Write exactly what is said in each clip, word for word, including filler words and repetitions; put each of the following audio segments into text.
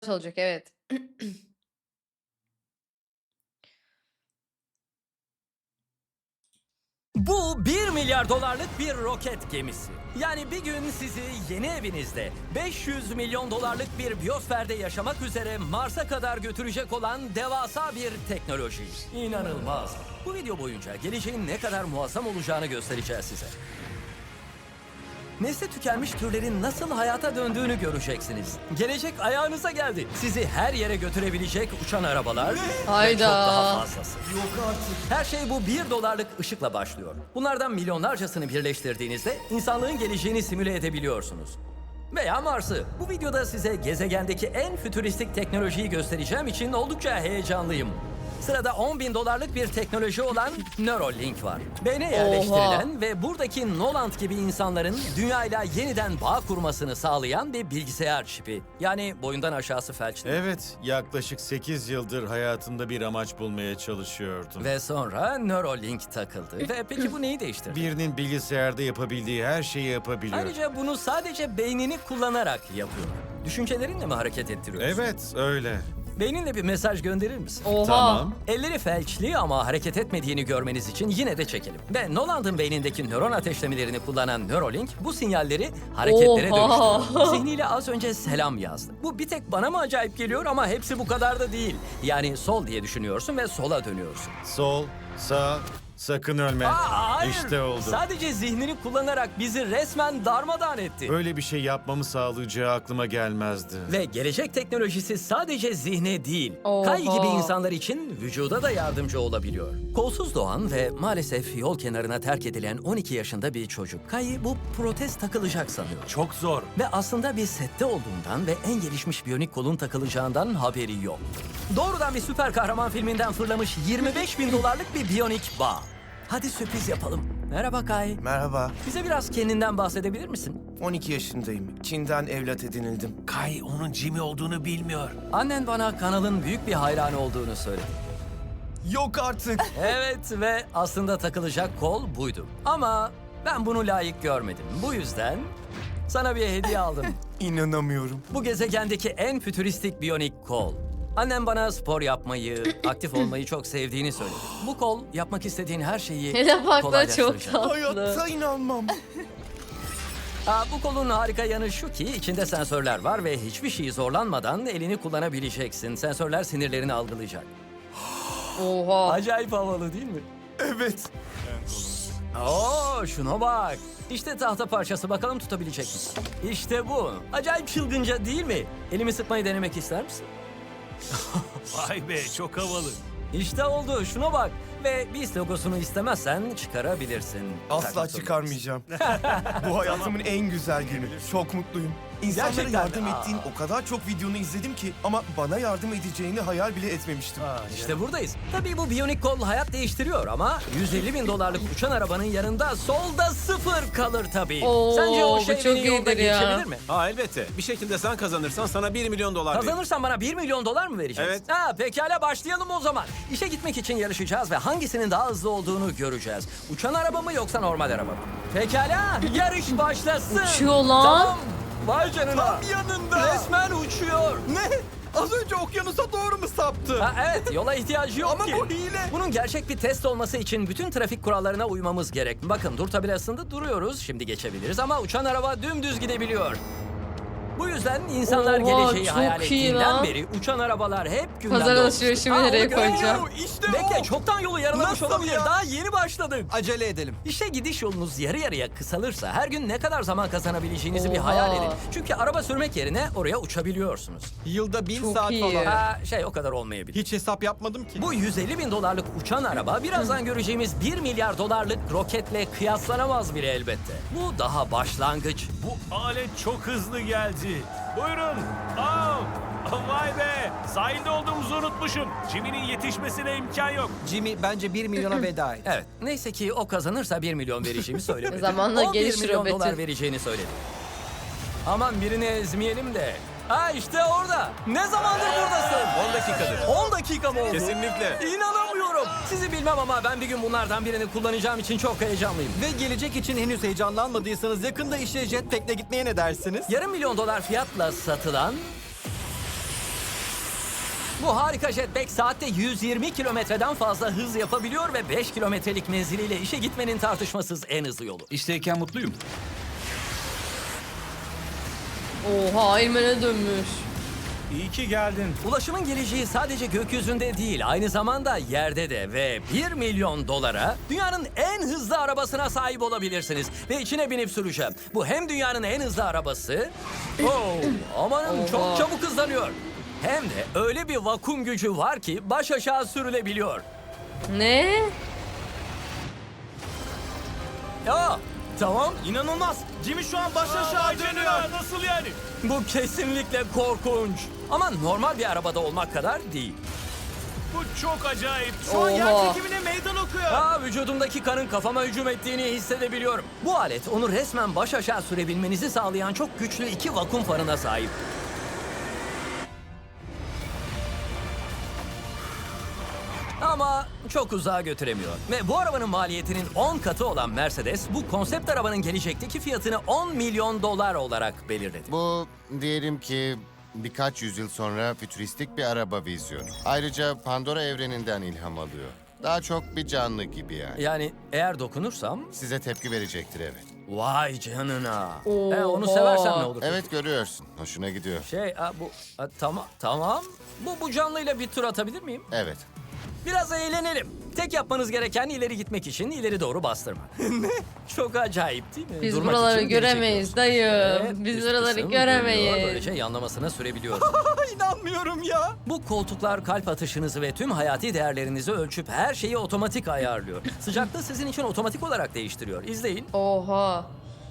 olacak, evet. Bu bir milyar dolarlık bir roket gemisi. Yani bir gün sizi yeni evinizde beş yüz milyon dolarlık bir biyosferde yaşamak üzere Mars'a kadar götürecek olan devasa bir teknoloji. İnanılmaz. Bu video boyunca geleceğin ne kadar muazzam olacağını göstereceğiz size. Nesli tükenmiş türlerin nasıl hayata döndüğünü göreceksiniz. Gelecek ayağınıza geldi. Sizi her yere götürebilecek uçan arabalar ve Hayda. çok daha fazlası. Yok artık. Her şey bu bir dolarlık ışıkla başlıyor. Bunlardan milyonlarcasını birleştirdiğinizde insanlığın geleceğini simüle edebiliyorsunuz. Veya Mars'ı. Bu videoda size gezegendeki en fütüristik teknolojiyi göstereceğim için oldukça heyecanlıyım. Sırada on bin dolarlık bir teknoloji olan Neuralink var. Beyne yerleştirilen ve buradaki Noland gibi insanların dünyayla yeniden bağ kurmasını sağlayan bir bilgisayar çipi. Yani boyundan aşağısı felçli. Evet, yaklaşık sekiz yıldır hayatımda bir amaç bulmaya çalışıyordum. Ve sonra Neuralink takıldı. Ve peki bu neyi değiştirdi? Birinin bilgisayarda yapabildiği her şeyi yapabiliyor. Ayrıca bunu sadece beynini kullanarak yapıyor. Düşüncelerinle mi hareket ettiriyorsun? Evet, öyle. Beyninle bir mesaj gönderir misin? Oha. Tamam. Elleri felçli ama hareket etmediğini görmeniz için yine de çekelim. Ve Noland'ın beynindeki nöron ateşlemelerini kullanan Neuralink bu sinyalleri hareketlere Oha. dönüştürüyor. Zihniyle az önce selam yazdı. Bu bir tek bana mı acayip geliyor ama hepsi bu kadar da değil. Yani sol diye düşünüyorsun ve sola dönüyorsun. Sol, sağ, sakın ölme. Aa, hayır. İşte oldu. Sadece zihnini kullanarak bizi resmen darmadağın etti. Böyle bir şey yapmamı sağlayacağı aklıma gelmezdi. Ve gelecek teknolojisi sadece zihne değil, Oha. Kay gibi insanlar için vücuda da yardımcı olabiliyor. Kolsuz doğan ve maalesef yol kenarına terk edilen on iki yaşında bir çocuk. Kay bu protez takılacak sanıyor. Çok zor. Ve aslında bir sette olduğundan ve en gelişmiş biyonik kolun takılacağından haberi yok. Doğrudan bir süper kahraman filminden fırlamış yirmi beş bin dolarlık bir biyonik bağ. Hadi sürpriz yapalım. Merhaba Kay. Merhaba, Bize biraz kendinden bahsedebilir misin? on iki yaşındayım. Çin'den evlat edinildim. Kay onun Jimmy olduğunu bilmiyor. Annen bana kanalın büyük bir hayranı olduğunu söyledi. Yok artık. Evet ve aslında takılacak kol buydu. Ama ben bunu layık görmedim. Bu yüzden sana bir hediye aldım. İnanamıyorum. Bu gezegendeki en fütüristik biyonik kol. Annem bana spor yapmayı, aktif olmayı çok sevdiğini söyledi. Bu kol yapmak istediğin her şeyi Hele bak da çok kolaylaştıracak. tatlı. Hayatta inanmam. Aa, bu kolun harika yanı şu ki içinde sensörler var ve hiçbir şeyi zorlanmadan elini kullanabileceksin. Sensörler sinirlerini algılayacak. Oha. Acayip havalı değil mi? Evet. Oo, şuna bak. İşte tahta parçası, bakalım tutabilecek misin? İşte bu. Acayip çılgınca değil mi? Elimi sıkmayı denemek ister misin? Vay be çok havalı. İşte oldu, şuna bak. Ve BİS logosunu istemezsen çıkarabilirsin. Asla Takmak zorunda. çıkarmayacağım. Bu hayatımın en güzel günü. Çok mutluyum. İnsanlara Gerçekten yardım mi? ettiğin o kadar çok videonu izledim ki ama bana yardım edeceğini hayal bile etmemiştim. İşte buradayız. Tabii bu biyonik kol hayat değiştiriyor ama yüz elli bin dolarlık uçan arabanın yanında solda sıfır kalır tabii. Oo, Sence o bu şey çok beni yolda iyidir ya. geçebilir mi? Ha elbette. Bir şekilde sen kazanırsan sana bir milyon dolar veririm. Kazanırsan bana bir milyon dolar mı vereceksin? Evet. Ha, pekala başlayalım o zaman. İşe gitmek için yarışacağız ve hangisinin daha hızlı olduğunu göreceğiz. Uçan araba mı yoksa normal araba mı? Pekala yarış başlasın. Uçuyor lan. Tamam. Vay canına. Tam yanında. Resmen uçuyor. Ne? Az önce okyanusa doğru mu saptı? Ha, evet yola ihtiyacı yok Ama ki. bu hile. Bunun gerçek bir test olması için bütün trafik kurallarına uymamız gerek. Bakın dur tabelasında duruyoruz. Şimdi geçebiliriz ama uçan araba dümdüz gidebiliyor. Bu yüzden insanlar Oha, geleceği çok hayal iyi ettiğinden lan. beri uçan arabalar hep gündemde Pazar olmuştur. alışverişimi Ha, nereye onu görüyorum. koyacağım? İşte Bekle o. çoktan yolu yarılamış Nasıl olabilir. ya? Daha yeni başladık. Acele edelim. İşe gidiş yolunuz yarı yarıya kısalırsa her gün ne kadar zaman kazanabileceğinizi bir Oha. hayal edin. Çünkü araba sürmek yerine oraya uçabiliyorsunuz. Yılda bin Çok saat iyi. falan. Ha, şey o kadar olmayabilir. Hiç hesap yapmadım ki. Bu yüz elli bin dolarlık uçan araba birazdan göreceğimiz bir milyar dolarlık roketle kıyaslanamaz bile elbette. Bu daha başlangıç. Bu alet çok hızlı geldi. Buyurun. Aa, vay be. Sahilde olduğumuzu unutmuşum. Jimmy'nin yetişmesine imkan yok. Jimmy bence bir milyona veda et. Evet, neyse ki o kazanırsa bir milyon vereceğimi söylemedi. Zamanla on bir gelişir milyon o Betül. dolar vereceğini söyledi. Aman birini ezmeyelim de. Ha işte orada. Ne zamandır buradasın? on dakikadır. on dakika mı oldu? Kesinlikle. İnanamıyorum. Sizi bilmem ama ben bir gün bunlardan birini kullanacağım için çok heyecanlıyım. Ve gelecek için henüz heyecanlanmadıysanız yakında işe jetpack'le gitmeye ne dersiniz? Yarım milyon dolar fiyatla satılan Bu harika jetpack saatte yüz yirmi kilometreden fazla hız yapabiliyor ve beş kilometrelik menziliyle işe gitmenin tartışmasız en hızlı yolu. İşteyken mutluyum. Oha Eymen'e dönmüş. İyi ki geldin. Ulaşımın geleceği sadece gökyüzünde değil, aynı zamanda yerde de ve bir milyon dolara dünyanın en hızlı arabasına sahip olabilirsiniz. Ve içine binip süreceğim. Bu hem dünyanın en hızlı arabası, oh, amanın çok Oha. çabuk hızlanıyor. Hem de öyle bir vakum gücü var ki baş aşağı sürülebiliyor. Ne? Ya tamam, İnanılmaz. Jimmy şu an baş aşağı Vay dönüyor. canına, nasıl yani? bu kesinlikle korkunç. Ama normal bir arabada olmak kadar değil. Bu çok acayip. Şu an yer Oha. çekimine meydan okuyor. Aa, vücudumdaki kanın kafama hücum ettiğini hissedebiliyorum. Bu alet onu resmen baş aşağı sürebilmenizi sağlayan çok güçlü iki vakum farına sahip. Ama çok uzağa götüremiyor. Ve bu arabanın maliyetinin on katı olan Mercedes, bu konsept arabanın gelecekteki fiyatını on milyon dolar olarak belirledi. Bu diyelim ki birkaç yüzyıl sonra fütüristik bir araba vizyonu. Ayrıca Pandora evreninden ilham alıyor. Daha çok bir canlı gibi yani. Yani eğer dokunursam, Size tepki verecektir evet. vay canına. Oha. E, onu seversem ne olur? Evet görüyorsun. Hoşuna gidiyor. Şey, a, bu a, tamam tamam. Bu bu canlıyla bir tur atabilir miyim? Evet. Biraz eğlenelim. Tek yapmanız gereken ileri gitmek için ileri doğru bastırma. Ne? Çok acayip değil mi? Biz Durmak buraları için geri göremeyiz çekiyorsun. dayı. Evet, Biz üst buraları kısım dönüyor, göremeyiz. Böylece yanlamasına sürebiliyorsun. İnanmıyorum ya. Bu koltuklar kalp atışınızı ve tüm hayati değerlerinizi ölçüp her şeyi otomatik ayarlıyor. Sıcaklığı sizin için otomatik olarak değiştiriyor. İzleyin. Oha.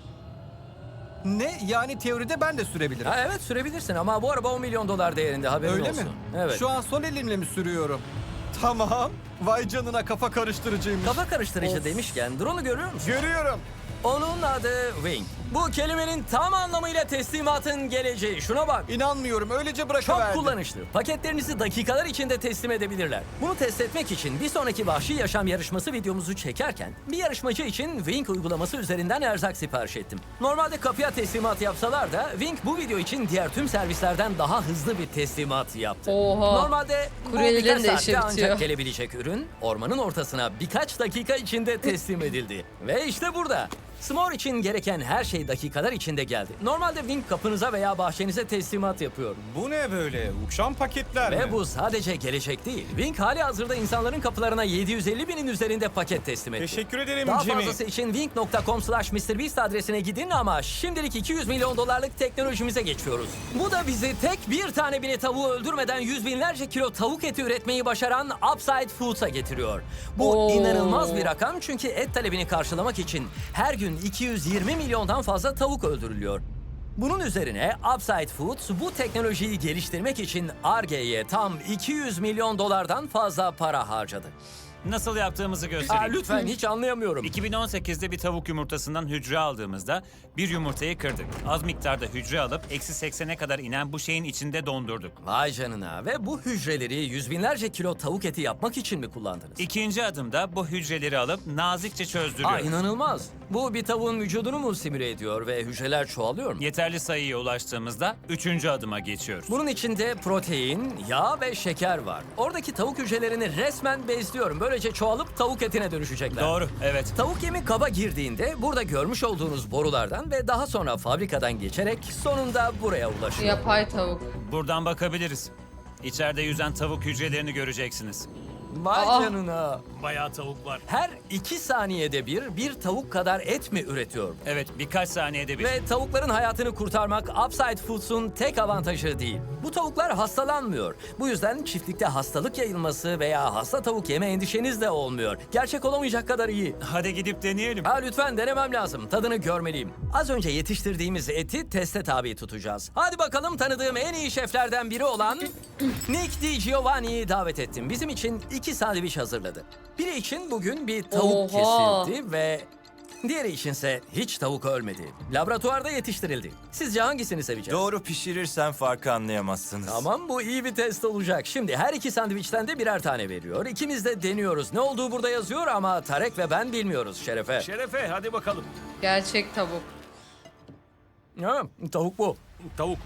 Ne? Yani teoride ben de sürebilirim. Ha, evet sürebilirsin ama bu araba on milyon dolar değerinde, haberin Öyle olsun. mi? Evet. Şu an sol elimle mi sürüyorum? Tamam. Vay canına, kafa karıştırıcıymış. Kafa karıştırıcı demişken drone'u görüyor musun? Görüyorum. Onun adı Wing. Bu kelimenin tam anlamıyla teslimatın geleceği. Şuna bak. İnanmıyorum. Öylece Çok bırakıverdim. kullanışlı. Paketlerinizi dakikalar içinde teslim edebilirler. Bunu test etmek için bir sonraki Vahşi Yaşam yarışması videomuzu çekerken bir yarışmacı için Wing uygulaması üzerinden erzak sipariş ettim. Normalde kapıya teslimat yapsalar da Wing bu video için diğer tüm servislerden daha hızlı bir teslimat yaptı. Oha. Normalde bu Kuryelerin birkaç de işi saatte bitiyor. ancak gelebilecek ürün ormanın ortasına birkaç dakika içinde teslim edildi. Ve işte burada. S'more için gereken her şey dakikalar içinde geldi. Normalde Wing kapınıza veya bahçenize teslimat yapıyor. Bu ne böyle? Uçan paketler Ve mi? bu sadece gelecek değil. Wing hali hazırda insanların kapılarına yedi yüz elli binin üzerinde paket teslim etti. Teşekkür ederim Daha Jimmy. fazlası için wing nokta com slash mister beast adresine gidin ama şimdilik iki yüz milyon dolarlık teknolojimize geçiyoruz. Bu da bizi tek bir tane bile tavuğu öldürmeden yüz binlerce kilo tavuk eti üretmeyi başaran Upside Foods'a getiriyor. Bu Oo. inanılmaz bir rakam çünkü et talebini karşılamak için her gün iki yüz yirmi milyondan fazla tavuk öldürülüyor. Bunun üzerine Upside Foods bu teknolojiyi geliştirmek için Ar-Ge'ye tam iki yüz milyon dolardan fazla para harcadı. Nasıl yaptığımızı Aa, göstereyim. lütfen hiç anlayamıyorum. iki bin on sekizde bir tavuk yumurtasından hücre aldığımızda bir yumurtayı kırdık. Az miktarda hücre alıp eksi seksene kadar inen bu şeyin içinde dondurduk. Vay canına, ve bu hücreleri yüz binlerce kilo tavuk eti yapmak için mi kullandınız? İkinci adımda bu hücreleri alıp nazikçe Aa, çözdürüyoruz. inanılmaz. Bu bir tavuğun vücudunu mu simüle ediyor ve hücreler çoğalıyor mu? Yeterli sayıya ulaştığımızda üçüncü adıma geçiyoruz. Bunun içinde protein, yağ ve şeker var. Oradaki tavuk hücrelerini resmen besliyorum. Böylece çoğalıp tavuk etine dönüşecekler. Doğru, evet. Tavuk yemi kaba girdiğinde burada görmüş olduğunuz borulardan ve daha sonra fabrikadan geçerek sonunda buraya ulaşıyor. Yapay tavuk. Buradan bakabiliriz. İçeride yüzen tavuk hücrelerini göreceksiniz. Vay Aa. canına. Bayağı tavuk var. Her iki saniyede bir bir tavuk kadar et mi üretiyor? Evet, birkaç saniyede bir. Ve tavukların hayatını kurtarmak Upside Foods'un tek avantajı değil. Bu tavuklar hastalanmıyor. Bu yüzden çiftlikte hastalık yayılması veya hasta tavuk yeme endişeniz de olmuyor. Gerçek olamayacak kadar iyi. Hadi gidip deneyelim. Ha, lütfen denemem lazım. Tadını görmeliyim. Az önce yetiştirdiğimiz eti teste tabi tutacağız. Hadi bakalım, tanıdığım en iyi şeflerden biri olan Nick DiGiovanni'yi davet ettim. Bizim için iki sandviç hazırladı. Biri için bugün bir tavuk Oha. kesildi ve diğeri içinse hiç tavuk ölmedi. Laboratuvarda yetiştirildi. Sizce hangisini seveceğiz? Doğru pişirirsen farkı anlayamazsınız. Tamam, bu iyi bir test olacak. Şimdi her iki sandviçten de birer tane veriyor. İkimiz de deniyoruz. Ne olduğu burada yazıyor ama Tarek ve ben bilmiyoruz Şerefe. Şerefe hadi bakalım. Gerçek tavuk. Ha, tavuk bu. Tavuk.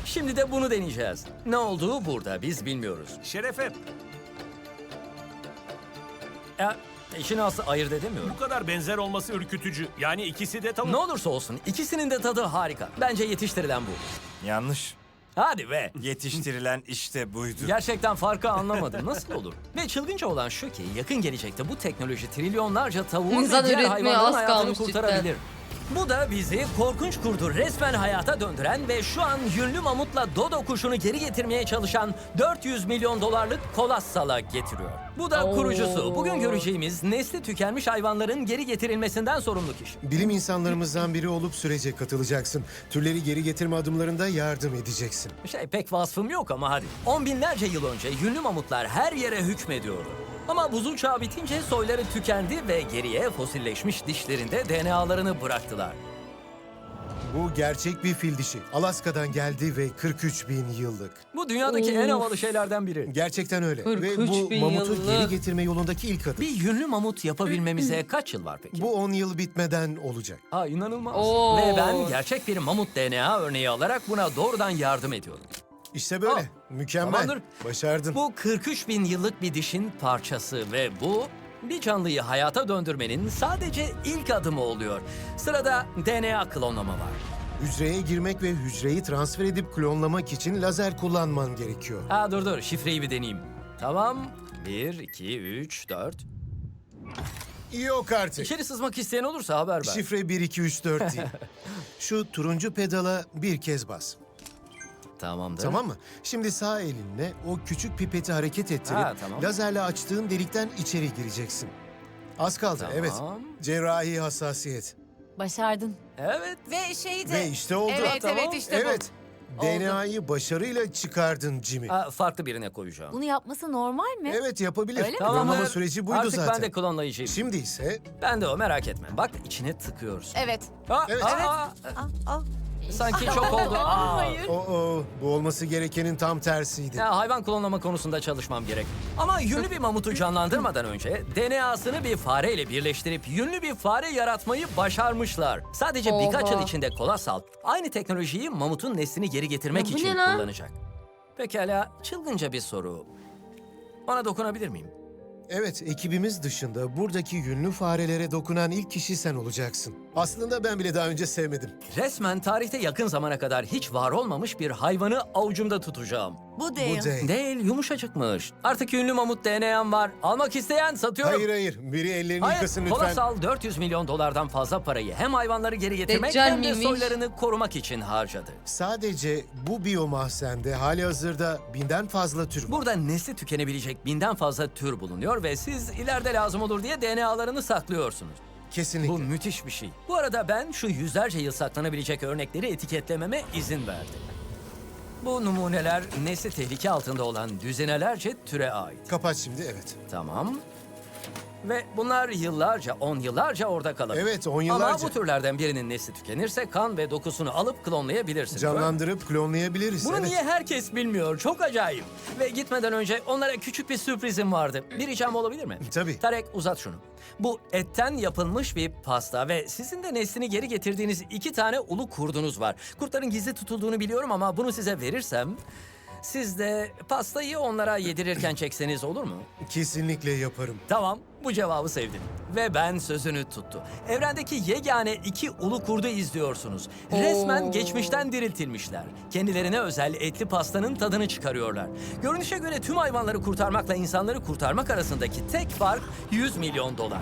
Şimdi de bunu deneyeceğiz. Ne olduğu burada, biz bilmiyoruz. Şerefe, Ya, işin aslı ayırt edemiyorum. bu kadar benzer olması ürkütücü. Yani ikisi de tavuk. Ne olursa olsun ikisinin de tadı harika. Bence yetiştirilen bu. Yanlış. Hadi be. Yetiştirilen işte buydu. Gerçekten farkı anlamadım. Nasıl olur? Ve çılgınca olan şu ki yakın gelecekte bu teknoloji trilyonlarca tavuğun İnsan ve diğer üretmeye hayvanların az hayatını kalmış kurtarabilir. Bu da bizi korkunç kurdu resmen hayata döndüren ve şu an yünlü mamutla dodo kuşunu geri getirmeye çalışan dört yüz milyon dolarlık Kolossal'a getiriyor. Bu da Oo. kurucusu. Bugün göreceğimiz nesli tükenmiş hayvanların geri getirilmesinden sorumlu kişi. Bilim insanlarımızdan biri olup sürece katılacaksın. Türleri geri getirme adımlarında yardım edeceksin. Şey pek vasfım yok ama hadi. On binlerce yıl önce yünlü mamutlar her yere hükmediyordu. Ama buzul çağı bitince soyları tükendi ve geriye fosilleşmiş dişlerinde D N A'larını bıraktılar. Bu gerçek bir fil dişi. Alaska'dan geldi ve kırk üç bin yıllık. Bu dünyadaki en Of. havalı şeylerden biri. Gerçekten öyle. kırk Ve üç bu bin mamutu yıllık. geri getirme yolundaki ilk adım. Bir yünlü mamut yapabilmemize kaç yıl var peki? Bu on yıl bitmeden olacak. Ha inanılmaz. Oo. Ve ben gerçek bir mamut D N A örneği alarak buna doğrudan yardım ediyorum. İşte böyle. Aa, Mükemmel. tamamdır. Başardın. Bu kırk üç bin yıllık bir dişin parçası ve bu bir canlıyı hayata döndürmenin sadece ilk adımı oluyor. Sırada D N A klonlama var. Hücreye girmek ve hücreyi transfer edip klonlamak için lazer kullanman gerekiyor. Ha dur dur şifreyi bir deneyeyim. Tamam. Bir, iki, üç, dört. Yok artık. İçeri sızmak isteyen olursa haber ver. Şifre bir iki üç dört değil. Şu turuncu pedala bir kez bas. Tamamdır. Tamam mı? Şimdi sağ elinle o küçük pipeti hareket ettirip Ha, tamam. lazerle açtığın delikten içeri gireceksin. Az kaldı, Tamam. evet. Cerrahi hassasiyet. Başardın. Evet. Ve şeyi de... Ve işte oldu. Evet, Tamam. evet işte Evet. Oldu. D N A'yı başarıyla çıkardın Jimmy. Ha, farklı birine koyacağım. bu. Bunu yapması normal mi? Evet, yapabilir. Öyle mi? Klonlama süreci buydu Artık zaten. ben de klonlayıcıyım. Şimdi ise Ben de o merak etme. Bak içine tıkıyorsun. Evet. Aa, Evet. aa, Evet. aa, Al, al. sanki çok oldu. Aa. Hayır. o o bu olması gerekenin tam tersiydi. Ya, hayvan klonlama konusunda çalışmam gerek. Ama yünlü bir mamutu canlandırmadan önce D N A'sını bir fareyle birleştirip yünlü bir fare yaratmayı başarmışlar. Sadece Oha. birkaç yıl içinde Kolossal aynı teknolojiyi mamutun neslini geri getirmek Ya bu için ne lan? kullanacak. Pekala, çılgınca bir soru. Ona dokunabilir miyim? Evet, ekibimiz dışında buradaki yünlü farelere dokunan ilk kişi sen olacaksın. Aslında ben bile daha önce sevmedim. Resmen tarihte yakın zamana kadar hiç var olmamış bir hayvanı avucumda tutacağım. Bu değil. Bu değil. Değil, yumuşacıkmış. Artık ünlü mamut D N A'm var. Almak isteyen satıyorum. Hayır hayır, biri ellerini Hayır, yıkasın lütfen. Kolossal dört yüz milyon dolardan fazla parayı hem hayvanları geri getirmek Deccal hem de miymiş? soylarını korumak için harcadı. Sadece bu biyomahzende hali hazırda binden fazla tür var. Burada nesli tükenebilecek binden fazla tür bulunuyor ve siz ileride lazım olur diye D N A'larını saklıyorsunuz. Kesinlikle. Bu müthiş bir şey. Bu arada ben şu yüzlerce yıl saklanabilecek örnekleri etiketlememe izin verdim. Bu numuneler nesli tehlike altında olan düzinelerce türe ait. Kapat şimdi, evet. Tamam. Ve bunlar yıllarca, on yıllarca orada kalabilir. Evet, on Ama yıllarca. bu türlerden birinin nesli tükenirse kan ve dokusunu alıp klonlayabilirsiniz. Canlandırıp klonlayabiliriz. Bunu evet. niye herkes bilmiyor? Çok acayip. Ve gitmeden önce onlara küçük bir sürprizim vardı. Bir ricam olabilir mi? Tabii. Tarek uzat şunu. Bu etten yapılmış bir pasta ve sizin de neslini geri getirdiğiniz iki tane ulu kurdunuz var. Kurtların gizli tutulduğunu biliyorum ama bunu size verirsem... Siz de pastayı onlara yedirirken çekseniz olur mu? Kesinlikle yaparım. Tamam, bu cevabı sevdim. Ve ben sözünü tuttu. Evrendeki yegane iki ulu kurdu izliyorsunuz. Resmen Oo. geçmişten diriltilmişler. Kendilerine özel etli pastanın tadını çıkarıyorlar. Görünüşe göre tüm hayvanları kurtarmakla insanları kurtarmak arasındaki tek fark yüz milyon dolar.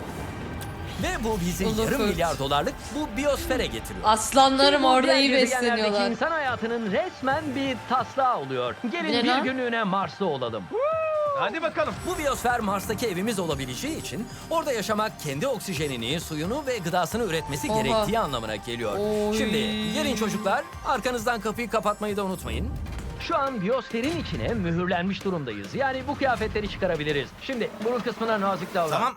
Ve bu bizi Ulu yarım kurt. milyar dolarlık bu biyosfere getiriyor. Aslanlarım Bu orada diğer iyi gezegenlerdeki besleniyorlar. İnsan hayatının resmen bir taslağı oluyor. Gelin Ne bir lan? günlüğüne Mars'ta olalım. Hadi bakalım. Bu biyosfer Mars'taki evimiz olabileceği için orada yaşamak kendi oksijenini, suyunu ve gıdasını üretmesi Oha. gerektiği anlamına geliyor. Oy. Şimdi gelin çocuklar, arkanızdan kapıyı kapatmayı da unutmayın. Şu an biyosferin içine mühürlenmiş durumdayız. Yani bu kıyafetleri çıkarabiliriz. Şimdi burun kısmına nazik davran. Tamam.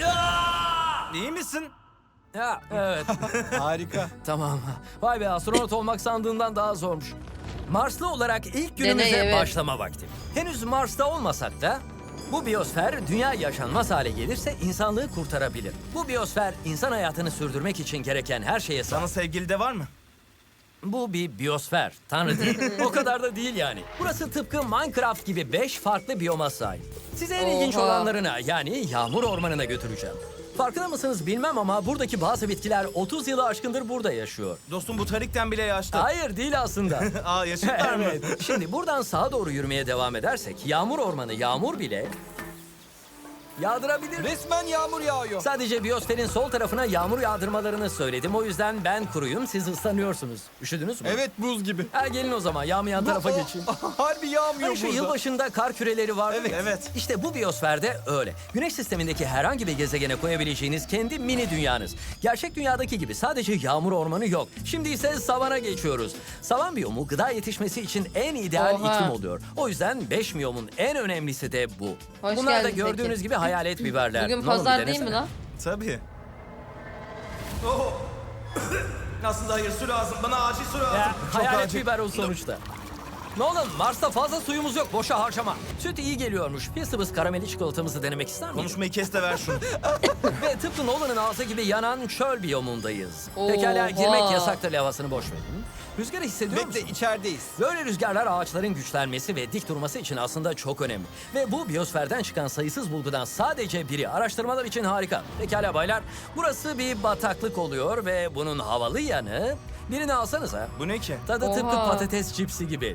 İyi misin? Ya evet. Harika. Tamam. Vay be, astronot olmak sandığından daha zormuş. Marslı olarak ilk günümüze Deney, evet. başlama vakti. Henüz Mars'ta olmasak da bu biyosfer dünya yaşanmaz hale gelirse insanlığı kurtarabilir. Bu biyosfer insan hayatını sürdürmek için gereken her şeye sahip. Sana sevgili de var mı? Bu bir biyosfer. Tanrı değil. O kadar da değil yani. Burası tıpkı Minecraft gibi beş farklı biyoma sahip. Size en ilginç Oha. olanlarına yani yağmur ormanına götüreceğim. Farkında mısınız bilmem ama buradaki bazı bitkiler otuz yılı aşkındır burada yaşıyor. Dostum bu tarikten bile yaşlı. Hayır değil aslında. Aa yaşlılar mı? Evet. Şimdi buradan sağa doğru yürümeye devam edersek yağmur ormanı yağmur bile yağdırabilir. Resmen yağmur yağıyor. Sadece biyosferin sol tarafına yağmur yağdırmalarını söyledim. O yüzden ben kuruyum, siz ıslanıyorsunuz. Üşüdünüz mü? Evet, buz gibi. Ha, gelin o zaman yağmayan tarafa Bu- geçin. Harbi yağmıyor Hani şu burada. yılbaşında kar küreleri var. Evet, evet. İşte bu biyosferde öyle. Güneş sistemindeki herhangi bir gezegene koyabileceğiniz kendi mini dünyanız. Gerçek dünyadaki gibi sadece yağmur ormanı yok. Şimdi ise savana geçiyoruz. Savan biyomu gıda yetişmesi için en ideal Oha. iklim oluyor. O yüzden beş biyomun en önemlisi de bu. Hoş Bunlar da geldin gördüğünüz Tekin. gibi hayalet biberler. Bugün Ne oldu, pazar bir değil mi denesene. lan? Tabii. Oh. Aslında hayır su lazım. Bana acil su lazım. Ya, Çok hayalet acil. biber o sonuçta. Nolan, Mars'ta fazla suyumuz yok. Boşa harcama. Süt iyi geliyormuş. Bir sıvız karameli çikolatamızı denemek ister misin? Konuşmayı kes de ver şunu. Ve tıpkı Nolan'ın ağzı gibi yanan çöl biyomundayız. Oha. Pekala girmek yasaktır havasını boş verin. Rüzgarı hissediyor Bekle, musun? içerideyiz. Böyle rüzgarlar ağaçların güçlenmesi ve dik durması için aslında çok önemli. Ve bu biyosferden çıkan sayısız bulgudan sadece biri. Araştırmalar için harika. Pekala baylar, burası bir bataklık oluyor ve bunun havalı yanı... Birini alsanıza. Bu ne ki? Tadı tıpkı Oha. patates cipsi gibi.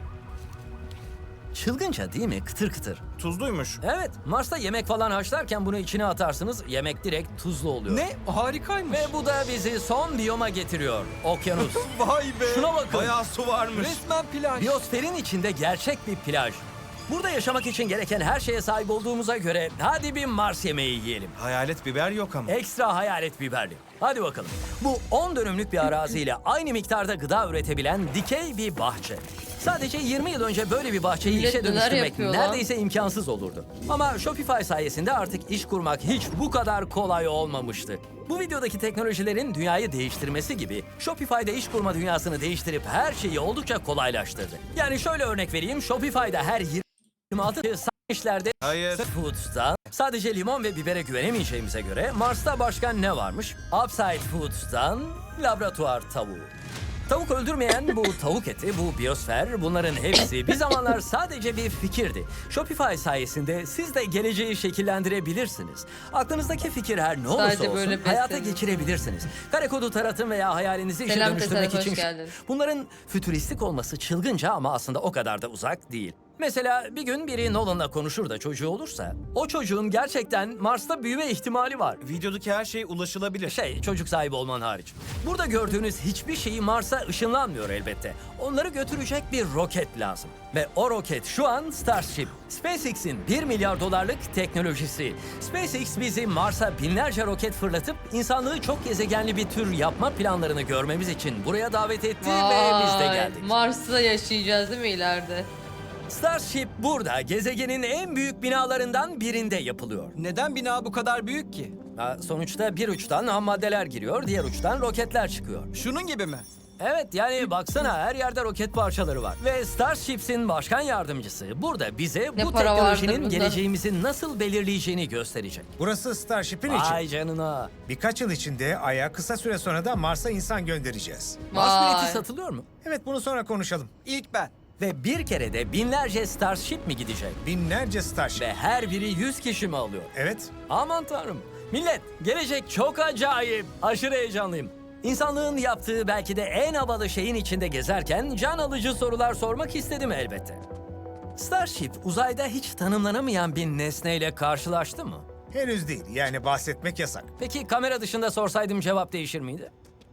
Çılgınca değil mi? Kıtır kıtır. Tuzluymuş. Evet, Mars'ta yemek falan haşlarken bunu içine atarsınız, yemek direkt tuzlu oluyor. Ne? Harikaymış. Ve bu da bizi son biyoma getiriyor. Okyanus. Vay be. Şuna bakın. Bayağı su varmış. Resmen plaj. Biyosferin içinde gerçek bir plaj. Burada yaşamak için gereken her şeye sahip olduğumuza göre hadi bir Mars yemeği yiyelim. Hayalet biber yok ama. Ekstra hayalet biberli. Hadi bakalım. Bu on dönümlük bir araziyle aynı miktarda gıda üretebilen dikey bir bahçe. Sadece yirmi yıl önce böyle bir bahçeyi Millet işe neler dönüştürmek yapıyor lan? neredeyse imkansız olurdu. Ama Shopify sayesinde artık iş kurmak hiç bu kadar kolay olmamıştı. Bu videodaki teknolojilerin dünyayı değiştirmesi gibi Shopify'da iş kurma dünyasını değiştirip her şeyi oldukça kolaylaştırdı. Yani şöyle örnek vereyim, Shopify'da her yirmi altı işlerde Hayır. Foods'ta sadece limon ve bibere güvenemeyeceğimize göre Mars'ta başka ne varmış? Upside Foods'tan laboratuvar tavuğu. Tavuk öldürmeyen bu tavuk eti, bu biyosfer, bunların hepsi bir zamanlar sadece bir fikirdi. Shopify sayesinde siz de geleceği şekillendirebilirsiniz. Aklınızdaki fikir her ne olursa Sadece olsun böyle hayata beslenin. geçirebilirsiniz. Kare kodu taratın veya hayalinizi işe Selam dönüştürmek Tesadüf, için... hoş geldin. Bunların fütüristik olması çılgınca ama aslında o kadar da uzak değil. Mesela bir gün biri Nolan'la konuşur da çocuğu olursa, o çocuğun gerçekten Mars'ta büyüme ihtimali var. Videodaki her şey ulaşılabilir. Şey, çocuk sahibi olman hariç. Burada gördüğünüz hiçbir şeyi Mars'a ışınlanmıyor elbette. Onları götürecek bir roket lazım. Ve o roket şu an Starship. SpaceX'in bir milyar dolarlık teknolojisi. SpaceX bizi Mars'a binlerce roket fırlatıp insanlığı çok gezegenli bir tür yapma planlarını görmemiz için buraya davet etti ve biz de Vay, geldik. Mars'ta yaşayacağız değil mi ileride? Starship burada gezegenin en büyük binalarından birinde yapılıyor. Neden bina bu kadar büyük ki? Ha, sonuçta bir uçtan ham maddeler giriyor, diğer uçtan roketler çıkıyor. Şunun gibi mi? Evet, yani baksana her yerde roket parçaları var. Ve Starships'in başkan yardımcısı burada bize Ne bu para teknolojinin vardır bunda? geleceğimizi nasıl belirleyeceğini gösterecek. Burası Starship'in için. Vay canına. Birkaç yıl içinde Ay'a, kısa süre sonra da Mars'a insan göndereceğiz. Mars Vay. bileti satılıyor mu? Evet, bunu sonra konuşalım. İlk ben. Ve bir kerede binlerce Starship mi gidecek? Binlerce Starship. Ve her biri yüz kişi mi alıyor? Evet. Aman tanrım. Millet, gelecek çok acayip. Aşırı heyecanlıyım. İnsanlığın yaptığı belki de en havalı şeyin içinde gezerken can alıcı sorular sormak istedim elbette. Starship uzayda hiç tanımlanamayan bir nesneyle karşılaştı mı? Henüz değil. Yani bahsetmek yasak. Peki kamera dışında sorsaydım cevap değişir miydi?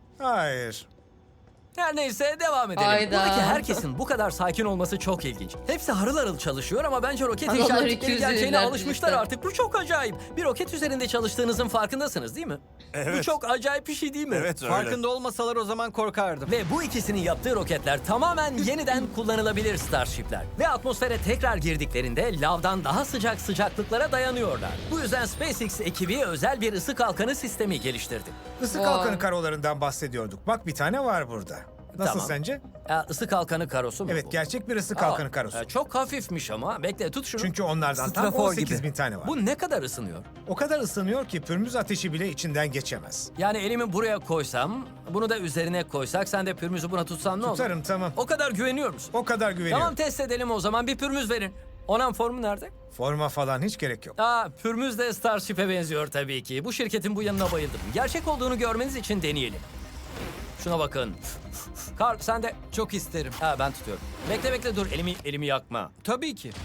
Hayır. Her neyse devam edelim. Hayda. Buradaki herkesin bu kadar sakin olması çok ilginç. Hepsi harıl harıl çalışıyor ama bence roket Adamlar işaretleri iki yüz gerçeğine elliler alışmışlar cidden. artık. Bu çok acayip. Bir roket üzerinde çalıştığınızın farkındasınız değil mi? Bu Evet. çok acayip bir şey değil mi? Evet öyle. Farkında olmasalar o zaman korkardım. Ve bu ikisinin yaptığı roketler tamamen yeniden kullanılabilir Starship'ler. Ve atmosfere tekrar girdiklerinde lavdan daha sıcak sıcaklıklara dayanıyorlar. Bu yüzden SpaceX ekibi özel bir ısı kalkanı sistemi geliştirdi. Isı Vay. kalkanı karolarından bahsediyorduk. Bak, bir tane var burada. Nasıl Tamam. sence? Ee, ısı kalkanı karosu mu Evet, bu? gerçek bir ısı Aa, kalkanı karosu. e, çok hafifmiş ama. Bekle tut şunu. Çünkü onlardan tam Strafor on sekiz gibi. bin tane var. Bu ne kadar ısınıyor? O kadar ısınıyor ki pürmüz ateşi bile içinden geçemez. Yani elimi buraya koysam, bunu da üzerine koysak, sen de pürmüzü buna tutsan ne olur? Tutarım, tamam. O kadar güveniyor musun? O kadar güveniyorum. Tamam, test edelim o zaman. Bir pürmüz verin. Onan formu nerede? Forma falan hiç gerek yok. Aa, pürmüz de Starship'e benziyor tabii ki. Bu şirketin bu yanına bayıldım. Gerçek olduğunu görmeniz için deneyelim. Şuna bakın. Karl sen de. Çok isterim. Ha, ben tutuyorum. Bekle bekle dur, elimi elimi yakma. Tabii ki.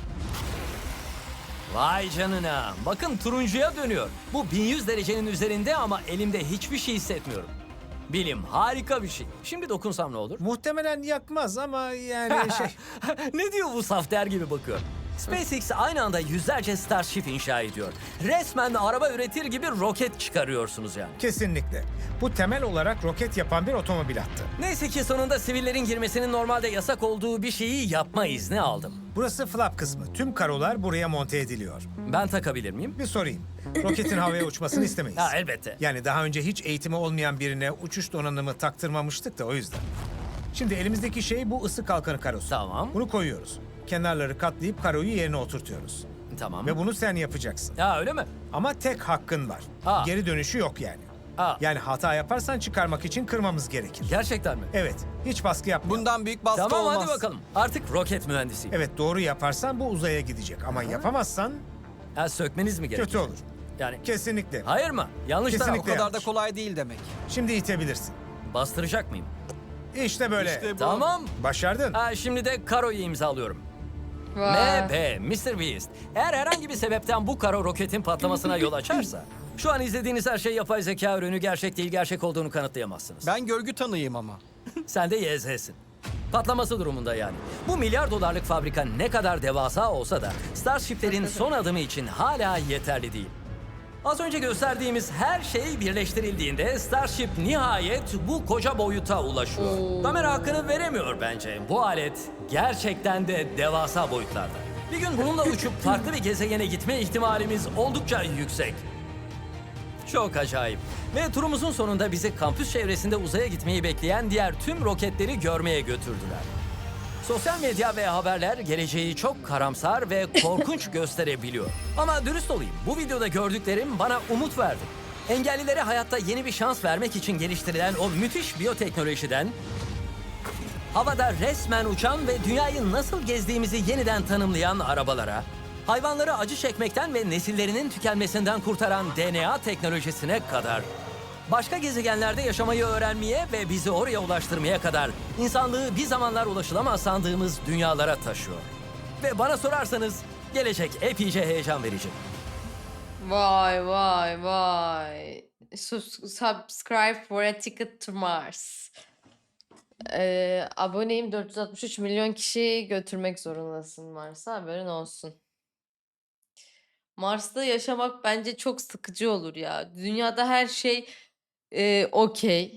Vay canına. Bakın turuncuya dönüyor. Bu bin yüz derecenin üzerinde ama elimde hiçbir şey hissetmiyorum. Bilim harika bir şey. Şimdi dokunsam ne olur? Muhtemelen yakmaz ama yani şey... Ne diyor bu saf der gibi bakıyor. SpaceX aynı anda yüzlerce Starship inşa ediyor. Resmen araba üretir gibi roket çıkarıyorsunuz yani. Kesinlikle. Bu temel olarak roket yapan bir otomobil hattı. Neyse ki sonunda sivillerin girmesinin normalde yasak olduğu bir şeyi yapma izni aldım. Burası flap kısmı. Tüm karolar buraya monte ediliyor. Ben takabilir miyim? Bir sorayım. Roketin havaya uçmasını istemeyiz. Ha, elbette. Yani daha önce hiç eğitimi olmayan birine uçuş donanımı taktırmamıştık da o yüzden. Şimdi elimizdeki şey bu ısı kalkanı karosu. Tamam. Bunu koyuyoruz. Kenarları katlayıp karoyu yerine oturtuyoruz. Tamam. Ve bunu sen yapacaksın. Ha, öyle mi? Ama tek hakkın var. Aa. Geri dönüşü yok yani. Aa. Yani hata yaparsan çıkarmak için kırmamız gerekir. Gerçekten mi? Evet, hiç baskı yapma. Bundan büyük baskı Tamam olmaz. hadi bakalım. Artık roket mühendisiyim. Evet, doğru yaparsan bu uzaya gidecek. Ama yapamazsan Ha, sökmeniz mi gerekiyor? kötü olur. Yani Kesinlikle. hayır mı? Yanlış taraf. O Kesinlikle. kadar da yanlış. kolay değil demek. Şimdi itebilirsin. Bastıracak mıyım? İşte böyle. İşte bu. Tamam. Başardın. Ha, şimdi de karoyu imzalıyorum. Vay. M B, mister Beast. Eğer herhangi bir sebepten bu karo roketin patlamasına yol açarsa... Şu an izlediğiniz her şey yapay zeka ürünü, gerçek değil, gerçek olduğunu kanıtlayamazsınız. Ben görgü tanıyım ama. Sen de Y Z'sin. Patlaması durumunda yani. Bu milyar dolarlık fabrika ne kadar devasa olsa da Starship'lerin son adımı için hala yeterli değil. Az önce gösterdiğimiz her şey birleştirildiğinde Starship nihayet bu koca boyuta ulaşıyor. Kamera hakkını veremiyor bence. Bu alet gerçekten de devasa boyutlarda. Bir gün bununla uçup farklı bir gezegene gitme ihtimalimiz oldukça yüksek. Çok acayip. Ve turumuzun sonunda bizi kampüs çevresinde uzaya gitmeyi bekleyen diğer tüm roketleri görmeye götürdüler. Sosyal medya ve haberler geleceği çok karamsar ve korkunç gösterebiliyor. Ama dürüst olayım, bu videoda gördüklerim bana umut verdi. Engellilere hayatta yeni bir şans vermek için geliştirilen o müthiş biyoteknolojiden... havada resmen uçan ve dünyayı nasıl gezdiğimizi yeniden tanımlayan arabalara... hayvanları acı çekmekten ve nesillerinin tükenmesinden kurtaran D N A teknolojisine kadar... başka gezegenlerde yaşamayı öğrenmeye ve bizi oraya ulaştırmaya kadar insanlığı bir zamanlar ulaşılamaz sandığımız dünyalara taşıyor. Ve bana sorarsanız gelecek epeyce heyecan verici. Vay vay vay. Sus- Subscribe for a ticket to Mars. Ee, aboneyim dört yüz altmış üç milyon kişi götürmek zorundasın Mars'a, haberin olsun. Mars'ta yaşamak bence çok sıkıcı olur ya. Dünyada her şey e, okey.